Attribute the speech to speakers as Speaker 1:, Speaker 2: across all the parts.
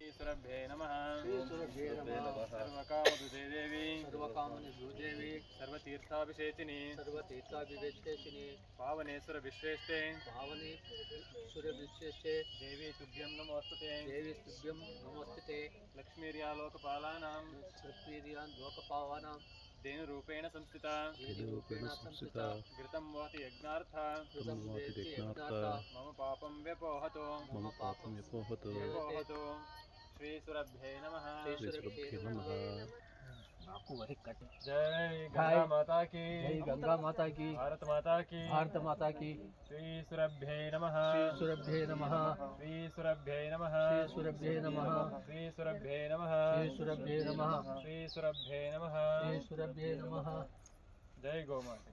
Speaker 1: सुरभ्ये नमः।
Speaker 2: सर्वकामदुदे देवी
Speaker 1: सर्वतीर्थाभिषेचिनी पावनेश्वर विश्रेष्ठे देवी तुभ्यं नमोस्तुते लक्ष्मीर्यालोकपालानां धेनुरूपेण संस्थिता घृतं वहति यज्ञार्था मम पापं व्यपोहतो श्री सुरभ्ये नमः। जय गंगा माता की, भारत माता की। श्री सुरभ्ये नमः। श्री सुरभ्ये नमः। श्री सुरभ्ये नमः। जय गौ माता।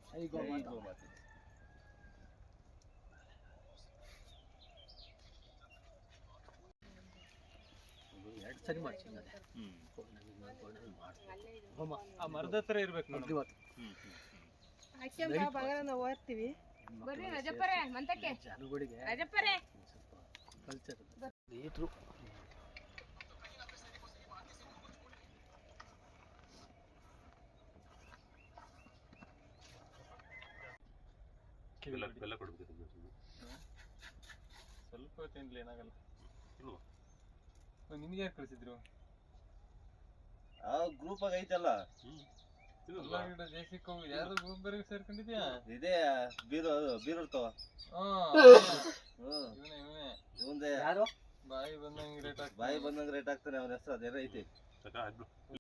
Speaker 2: ಸರಿ ಮಾಡ್ತೀನಿ
Speaker 1: ಆ ಮರದ ಹತ್ರ ಇರ್ಬೇಕು ನೋಡಿ.
Speaker 3: ನಾವು ಓದ್ತೀವಿ
Speaker 4: ಬರ್ರಿ ರಜಪ್ಪರೇ ಮಂತಕ್ಕೆ
Speaker 2: ಜನಗಳಿಗೆ
Speaker 4: ರಜಪ್ಪರೇ
Speaker 2: ಕಲ್ಚರ್ ರೈತರು
Speaker 1: ಬೆಲ್ಲ ಕೊಡ್ಬೇಕು ಸ್ವಲ್ಪ ತಿನ್ಲಿ ಏನಾಗಲ್ಲ. ನಿಮ್ಗೆ ಯಾರು ಕಳಿಸಿದ್ರು?
Speaker 5: ಗ್ರೂಪ್ ಆಗ ಐತಲ್ಲ
Speaker 1: ಜೇಸಿಕ್ ಹೋಗಿ ಯಾರು ಗ್ರೂಪ್ ಬೇರೆ ಸೇರ್ಕೊಂಡಿದ್ಯಾ?
Speaker 5: ಇದೇ ಬೀರರ್ತವ
Speaker 1: ಇವನೇ
Speaker 5: ಯಾರು
Speaker 1: ಬಾಯಿ ಬಂದಂಗೆ ರೇಟ್
Speaker 5: ಬಾಯಿ ಬಂದಂಗ ರೇಟ್ ಆಗ್ತಾನೆ. ಅವನ ಹೆಸರು ಅದೇನೋ ಐತಿ.